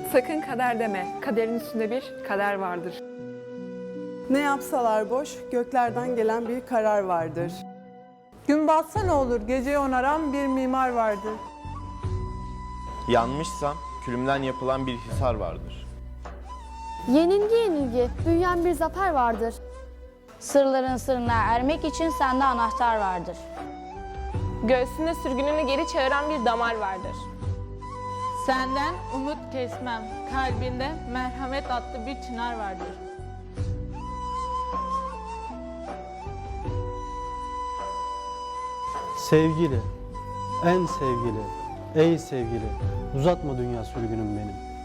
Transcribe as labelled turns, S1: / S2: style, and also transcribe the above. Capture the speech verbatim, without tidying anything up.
S1: Sakın kader deme, kaderin üstünde bir kader vardır.
S2: Ne yapsalar boş, göklerden gelen bir karar vardır.
S3: Gün batsa ne olur, geceyi onaran bir mimar vardır.
S4: Yanmışsam külümden yapılan bir hisar vardır.
S5: Yenilgi yenilgi, büyüyen bir zafer vardır.
S6: Sırların sırrına ermek için sende anahtar vardır.
S7: Göğsünde sürgününü geri çağıran bir damar vardır.
S8: Senden umut kesmem, kalbinde merhamet adlı bir çınar vardır.
S9: Sevgili, en sevgili, ey sevgili, uzatma dünya sürgünüm benim.